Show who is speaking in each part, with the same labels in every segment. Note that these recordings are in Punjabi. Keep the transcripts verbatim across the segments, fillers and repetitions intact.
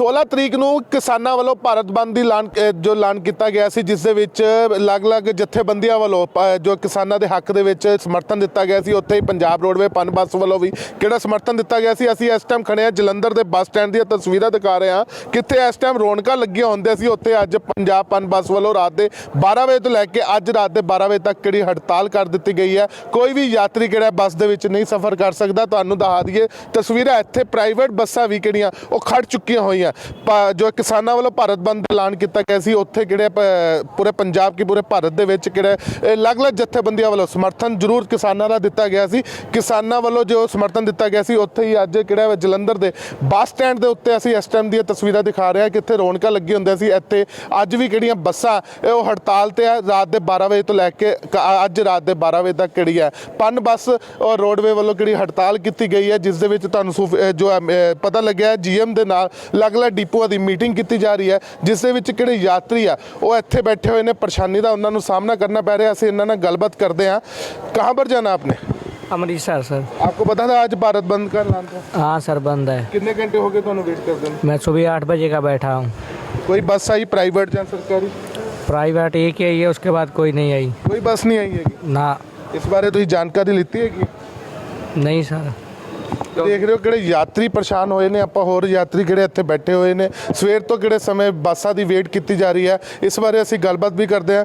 Speaker 1: सोलह तरीक ਨੂੰ ਕਿਸਾਨਾਂ ਵੱਲੋਂ ਭਾਰਤ ਬੰਦ ਦੀ ਐਲਾਨ ਜੋ ਐਲਾਨ ਕੀਤਾ ਗਿਆ ਸੀ, ਜਿਸ ਦੇ ਵਿੱਚ ਅਲੱਗ-ਅਲੱਗ ਜਥੇਬੰਦੀਆਂ ਵੱਲੋਂ ਜੋ ਕਿਸਾਨਾਂ ਦੇ ਹੱਕ ਦੇ ਵਿੱਚ ਸਮਰਥਨ ਦਿੱਤਾ ਗਿਆ ਸੀ, ਉੱਥੇ ਹੀ ਪੰਜਾਬ ਰੋਡਵੇ ਪਨ ਬੱਸ ਵੱਲੋਂ ਵੀ ਕਿਹੜਾ ਸਮਰਥਨ ਦਿੱਤਾ ਗਿਆ ਸੀ। ਅਸੀਂ ਇਸ ਟਾਈਮ ਖੜੇ ਹਾਂ ਜਲੰਧਰ ਦੇ ਬੱਸ ਸਟੈਂਡ ਦੀਆਂ ਤਸਵੀਰਾਂ ਦਿਖਾ ਰਹੇ ਹਾਂ, ਕਿੱਥੇ ਇਸ ਟਾਈਮ ਰੌਣਕਾਂ ਲੱਗੀਆਂ ਹੁੰਦੀਆਂ ਸੀ, ਉੱਥੇ ਅੱਜ ਪੰਜਾਬ ਪਨ ਬੱਸ ਵੱਲੋਂ ਰਾਤ ਦੇ ਬਾਰਾਂ ਵਜੇ ਤੋਂ ਲੈ ਕੇ ਅੱਜ ਰਾਤ ਦੇ ਬਾਰਾਂ ਵਜੇ ਤੱਕ ਕਿਹੜੀ ਹੜਤਾਲ ਕਰ ਦਿੱਤੀ ਗਈ ਹੈ। ਕੋਈ ਵੀ ਯਾਤਰੀ ਕਿਹੜਾ ਬੱਸ ਦੇ ਵਿੱਚ ਨਹੀਂ ਸਫ਼ਰ ਕਰ ਸਕਦਾ। ਤੁਹਾਨੂੰ ਦਿਖਾ ਦਈਏ ਤਸਵੀਰਾਂ, ਇੱਥੇ ਪ੍ਰਾਈਵੇਟ ਬੱਸਾਂ ਵੀ ਕਿਹੜੀਆਂ ਉਹ ਖੜ ਚੁੱਕੀਆਂ ਹੋਈਆਂ। ਜੋ ਕਿਸਾਨਾਂ ਵੱਲੋਂ ਭਾਰਤ ਬੰਦ ਦਾ ਐਲਾਨ ਕੀਤਾ ਗਿਆ ਸੀ, ਉੱਥੇ ਕਿਹੜੇ ਪੂਰੇ ਪੰਜਾਬ ਕੀ ਪੂਰੇ ਭਾਰਤ ਦੇ ਵਿੱਚ ਕਿਹੜੇ ਅਲੱਗ-ਅਲੱਗ ਜਥੇਬੰਦੀਆਂ ਵੱਲੋਂ ਸਮਰਥਨ ਜ਼ਰੂਰ ਕਿਸਾਨਾਂ ਦਾ ਦਿੱਤਾ ਗਿਆ ਸੀ। ਕਿਸਾਨਾਂ ਵੱਲੋਂ ਜੋ ਸਮਰਥਨ ਦਿੱਤਾ ਗਿਆ ਸੀ, ਉੱਥੇ ਹੀ ਅੱਜ ਕਿਹੜਾ ਜਲੰਧਰ ਦੇ ਬੱਸ ਸਟੈਂਡ ਦੇ ਉੱਤੇ ਅਸੀਂ ਇਸ ਟਾਈਮ ਦੀਆਂ ਤਸਵੀਰਾਂ ਦਿਖਾ ਰਹੇ ਹਾਂ, ਕਿੱਥੇ ਰੌਣਕਾਂ ਲੱਗੀ ਹੁੰਦੀਆਂ ਸੀ। ਇੱਥੇ ਅੱਜ ਵੀ ਕਿਹੜੀਆਂ ਬੱਸਾਂ ਉਹ ਹੜਤਾਲ ਤੇ ਆ, ਰਾਤ ਦੇ ਬਾਰਾਂ ਵਜੇ ਤੋਂ ਲੈ ਕੇ ਅੱਜ ਰਾਤ ਦੇ ਬਾਰਾਂ ਵਜੇ ਤੱਕ ਕਿਹੜੀ ਹੈ ਪਨ ਬੱਸ ਔਰ ਰੋਡਵੇ ਵੱਲੋਂ ਕਿਹੜੀ ਹੜਤਾਲ ਕੀਤੀ ਗਈ ਹੈ, ਜਿਸ ਦੇ ਵਿੱਚ ਤੁਹਾਨੂੰ ਜੋ ਪਤਾ ਲੱਗਿਆ ਜੀਐਮ ਦੇ ਨਾਲ ਅਲੱਗ-ਅਲੱਗ ਡਿਪੂਆਂ ਦੀ ਮੀਟਿੰਗ ਕੀਤੀ ਜਾ ਰਹੀ है, जिस दे विच किहड़े यात्री आ वो इत्थे बैठे हुए ने, परेशानी का उन्होंने सामना करना पै रहा। असीं इन्हां नाल गलबात करते हैं। कहाँ पर जाना आपने?
Speaker 2: अमृतसर सर।
Speaker 1: आपको पता था आज भारत बंद का ऐलान था?
Speaker 2: हाँ सर, बंद है।
Speaker 1: कितने घंटे हो गए तुहानूं वेट करदे नूं?
Speaker 2: मैं सुबह आठ बजे का बैठा हूँ।
Speaker 1: कोई बस आई प्राइवेट या सरकारी?
Speaker 2: प्राइवेट एक ही आई है, उसके बाद कोई नहीं आई।
Speaker 1: कोई बस नहीं आई है
Speaker 2: ना।
Speaker 1: इस बारे तुसीं जानकारी लित्ती है कि
Speaker 2: नहीं सर।
Speaker 1: देख रहे हो किहड़े यात्री परेशान होए ने, आपां होर यात्री किहड़े इत्थे बैठे हुए ने, सवेर तो किहड़े समय बसां दी वेट की जा रही है। इस बारे असीं गलबात भी करते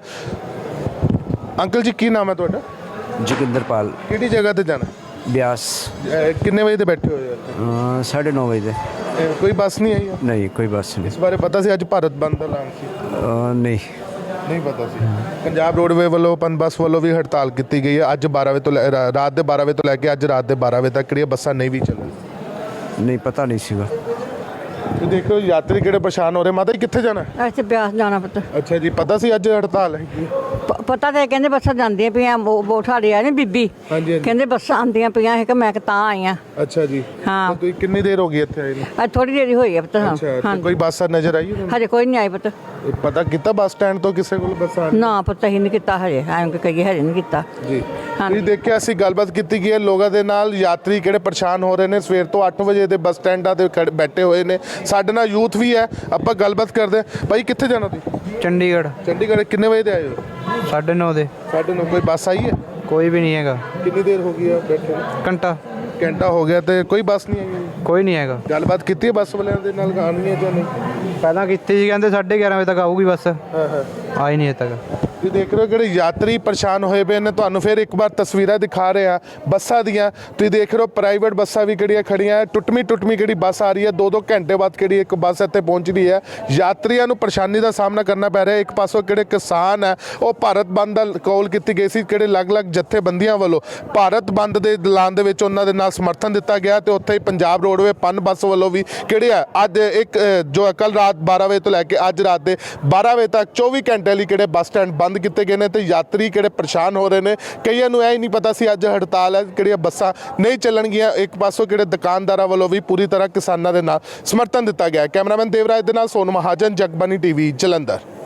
Speaker 1: हैं। अंकल जी की नाम है तुहाडा?
Speaker 3: जोगिंदरपाल।
Speaker 1: किहड़ी जगह ते जाना?
Speaker 3: ब्यास।
Speaker 1: किन्ने बजे ते बैठे हुए हो?
Speaker 3: साढ़े नौ बजे।
Speaker 1: कोई बस नहीं आई है?
Speaker 3: नहीं कोई बस नहीं।
Speaker 1: इस बारे पता सी अज भारत बंद दा ऐलान सी?
Speaker 3: नहीं
Speaker 1: नहीं पता सी। पंजाब रोडवे वालों पन बस वालों भी हड़ताल की गई है। अज बारह बजे तो रात के बारह बजे तो लैके अज रात के बारह बजे तक किहड़ियां बसां नहीं भी चलन?
Speaker 3: नहीं पता नहीं सीगा।
Speaker 1: तो देखो यात्री किहड़े परेशान हो रहे। माता जी कित्थे जाना?
Speaker 4: अच्छा ब्यास जाना पुत्त।
Speaker 1: अच्छा जी, पता सी अज हड़ताल है?
Speaker 4: प- पता तो कहते बसा जांदियां पियां, वो साड़ी आई नी बीबी,
Speaker 1: हाँ जी, हाँ जी।
Speaker 4: कहते बसा आंदियां पियां है कि मैं तां आई हाँ।
Speaker 1: अच्छा जी।
Speaker 4: हाँ।
Speaker 1: तो कितनी देर हो गई इत्थे आए नूं?
Speaker 4: अज थोड़ी देर ही हुई है पुत्त। हाँ
Speaker 1: अच्छा,
Speaker 4: हाँ
Speaker 1: तो कोई बस नजर आई है?
Speaker 4: हजे कोई नहीं आई पुत्त।
Speaker 1: पता किता बस स्टैंड तो किसी को बस आ
Speaker 4: ना पुत्त ही नहीं किता हजे, ਐਂ ਕਿ ਕਹੀਏ ਹਜੇ ਨਹੀਂ ਕੀਤਾ।
Speaker 1: ਜੀ
Speaker 4: हाँ।
Speaker 1: ਤੁਸੀਂ ਦੇਖਿਆ ਅਸੀਂ ਗੱਲਬਾਤ ਕੀਤੀ ਗਈ ਹੈ ਲੋਕਾਂ ਦੇ ਨਾਲ। ਯਾਤਰੀ ਕਿਹੜੇ ਪਰੇਸ਼ਾਨ ਹੋ ਰਹੇ ਨੇ, ਸਵੇਰ ਤੋਂ ਅੱਠ ਵਜੇ ਦੇ ਬੱਸ ਸਟੈਂਡਾਂ ਤੇ ਖੜ੍ਹ- ਬੈਠੇ ਹੋਏ ਨੇ। ਸਾਡੇ ਨਾਲ ਯੂਥ ਵੀ ਹੈ, ਆਪਾਂ ਗੱਲਬਾਤ ਕਰਦੇ ਹਾਂ। ਭਾਈ ਕਿੱਥੇ ਜਾਣਾ ਤੁਸੀਂ?
Speaker 3: चंडीगढ़।
Speaker 1: ਚੰਡੀਗੜ੍ਹ। ਕਿੰਨੇ ਵਜੇ ਤੇ ਆਏ ਹੋ?
Speaker 3: साढ़े नौ दे।
Speaker 1: साढ़े नौ। कोई बस आई है?
Speaker 3: कोई भी नहीं हैगा।
Speaker 1: कितनी देर हो गई है बैठे ਨੂੰ?
Speaker 3: घंटा।
Speaker 1: ਘੰਟਾ ਹੋ ਗਿਆ ਤੇ ਕੋਈ ਬੱਸ ਨਹੀਂ ਆਈ?
Speaker 3: कोई नहीं हैगा।
Speaker 1: ਗੱਲਬਾਤ ਕੀਤੀ ਹੈ ਬੱਸ ਵਾਲਿਆਂ ਦੇ ਨਾਲ, ਆਉਣੀ ਹੈ ਜਾਂ ਨਹੀਂ?
Speaker 3: पहला ਕੀਤੀ ਸੀ, ਕਹਿੰਦੇ साढ़े ग्यारह बजे तक आऊगी बस।
Speaker 1: ਹਾਂ ਹਾਂ।
Speaker 3: आई नहीं है तक।
Speaker 1: ਤੁਸੀਂ ਦੇਖ ਰਹੇ ਹੋ ਕਿਹੜੇ ਯਾਤਰੀ ਪਰੇਸ਼ਾਨ ਹੋਏ ਪਏ ਨੇ। ਤੁਹਾਨੂੰ ਫਿਰ ਇੱਕ ਵਾਰ ਤਸਵੀਰਾਂ ਦਿਖਾ ਰਹੇ ਆ ਬੱਸਾਂ ਦੀਆਂ। ਤੁਸੀਂ ਦੇਖ ਰਹੇ ਹੋ ਪ੍ਰਾਈਵੇਟ ਬੱਸਾਂ ਵੀ ਕਿਹੜੀਆਂ ਖੜੀਆਂ, ਟੁੱਟਵੀਂ ਟੁੱਟਵੀਂ ਕਿਹੜੀ ਬੱਸ ਆ ਰਹੀ ਹੈ। ਦੋ ਦੋ ਘੰਟੇ ਬਾਅਦ ਕਿਹੜੀ ਇੱਕ ਬੱਸ ਇੱਥੇ ਪਹੁੰਚ ਰਹੀ ਹੈ। ਯਾਤਰੀਆਂ ਨੂੰ ਪਰੇਸ਼ਾਨੀ ਦਾ ਸਾਹਮਣਾ ਕਰਨਾ ਪੈ ਰਿਹਾ। ਇੱਕ ਪਾਸੋਂ ਕਿਹੜੇ ਕਿਸਾਨ ਹੈ ਉਹ ਭਾਰਤ ਬੰਦ ਦਾ ਕਾਲ ਕੀਤੀ ਗਈ ਸੀ, ਕਿਹੜੇ ਅਲੱਗ-ਅਲੱਗ ਜਥੇਬੰਦੀਆਂ ਵੱਲੋਂ ਭਾਰਤ ਬੰਦ ਦੇ ਐਲਾਨ ਦੇ ਵਿੱਚ ਉਹਨਾਂ ਦੇ ਨਾਲ ਸਮਰਥਨ ਦਿੱਤਾ ਗਿਆ। ਤੇ ਉੱਥੇ ਹੀ ਪੰਜਾਬ ਰੋਡਵੇ ਪਨ ਬੱਸ ਵੱਲੋਂ ਵੀ ਕਿਹੜੇ ਆ ਅੱਜ ਇੱਕ ਜੋ ਕੱਲ ਰਾਤ ਬਾਰਾਂ ਵਜੇ ਤੋਂ ਲੈ ਕੇ ਅੱਜ ਰਾਤ ਦੇ ਬਾਰਾਂ ਵਜੇ ਤੱਕ ਚੌਵੀ ਘੰਟੇ ਲਈ ਕਿਹੜੇ ਬੱਸ ਸਟੈਂਡ ਬੰਦ ਕੀਤੇ ਗਏ ਨੇ। ਤੇ यात्री किहड़े परेशान हो रहे हैं। कईयां नूं यह ही नहीं पता सी अज हड़ताल है, किहड़ियां बसां नहीं चलणगियां। एक पासों किहड़े दुकानदारां वालों भी पूरी तरह किसानां दे नाल समर्थन दिता गया। कैमरामैन देवराज दे नाल सोनू महाजन, जगबानी टीवी, जलंधर।